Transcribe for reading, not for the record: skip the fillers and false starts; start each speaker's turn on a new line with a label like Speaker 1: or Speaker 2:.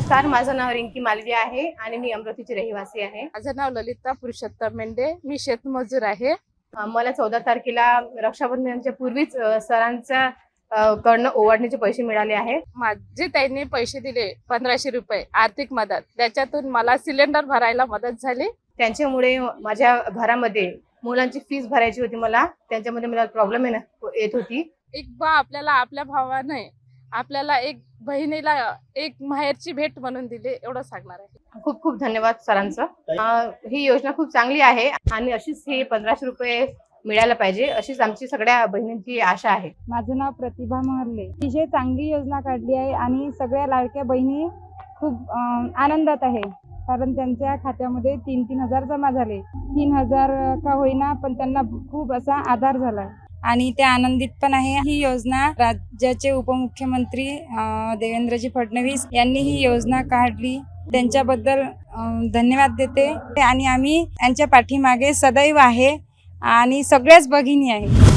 Speaker 1: नमस्कार, माझं नाव रिंकी मालवी आहे आणि मी अमरावतीची रहिवासी आहे.
Speaker 2: माझं नाव ललिता पुरुषोत्तम मेंढे, मी शेतमजूर आहे.
Speaker 1: मला 14 तारखेला रक्षाबंधनाच्या पूर्वीच सरांच्या कडनं ओवाळणीचे पैसे मिळाले आहेत.
Speaker 2: माझे त्यांनी पैसे दिले 1500 रुपये आर्थिक मदत, त्याच्यातून मला सिलेंडर भरायला मदत झाली.
Speaker 1: त्यांच्यामुळे माझ्या घरामध्ये मुलांची फीस भरायची होती, त्यांच्यामध्ये मला प्रॉब्लेम येत होती.
Speaker 2: एक बा आपल्याला आपल्या भावाने आपल्याला एक बहिणीला एक माहेरची भेट म्हणून दिली, एवढं सांगणार आहे.
Speaker 1: खूप खूप धन्यवाद सरांचं. ही योजना खूप चांगली आहे आणि अशीच हे 1500 रुपये मिळायला पाहिजे, अशीच आमची सगळ्या बहिणींची आशा आहे.
Speaker 3: माझं नाव प्रतिभा महर्ले. अतिशय चांगली योजना काढली आहे आणि सगळ्या लाडक्या बहिणी खूप आनंदात आहे, कारण त्यांच्या खात्यामध्ये 3-3 हजार जमा झाले. 3,000 का होईना, पण त्यांना खूप असा आधार झाला आणि ते आनंदित पण आहे. ही योजना राज्याचे उपमुख्यमंत्री देवेंद्रजी फडणवीस यांनी ही योजना काढली, त्यांच्याबद्दल धन्यवाद देते आणि आम्ही यांच्या पाठीमागे सदैव आहे आणि सगळ्याच भगिनी आहे.